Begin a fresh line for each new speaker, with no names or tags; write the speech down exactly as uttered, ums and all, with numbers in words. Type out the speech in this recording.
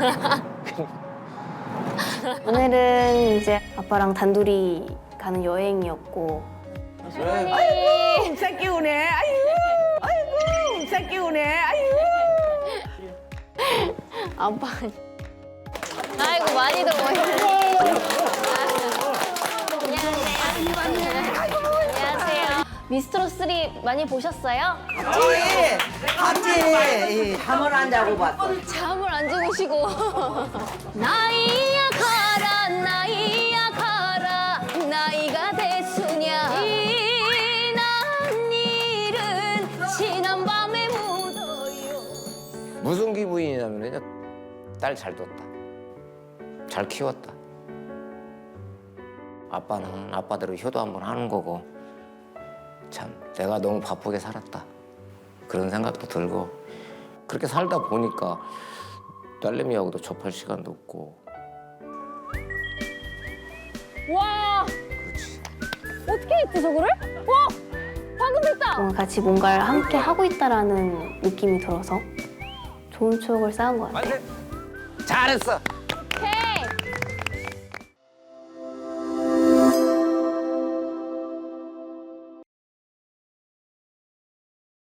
오늘은 이제 아빠랑 단둘이 가는 여행이었고.
아이고, 새끼 우네. 아이고, 아이고, 새끼 우네. 아이고.
아빠.
아이고 많이들 오셨네. 안녕하세요. 안녕하세요. 미스트로 쓰리 많이 보셨어요?
같이, 같이 잠을 안 자고 봤어.
잠을 안 주무시고. 나이야 가라 나이야 가라 나이가 됐으냐 지난 일은 지난 밤에 묻어요.
무슨 기분이냐면 딸 잘 뒀다. 잘 키웠다. 아빠는 아빠대로 효도 한번 하는 거고 참 내가 너무 바쁘게 살았다. 그런 생각도 들고 그렇게 살다 보니까 딸내미하고도 접할 시간도 없고
와
그렇지.
어떻게 했지 저거를? 와 방금 됐다.
뭔가 같이 뭔가를 함께 하고 있다라는 느낌이 들어서 좋은 추억을 쌓은 것 같아요.
잘했어.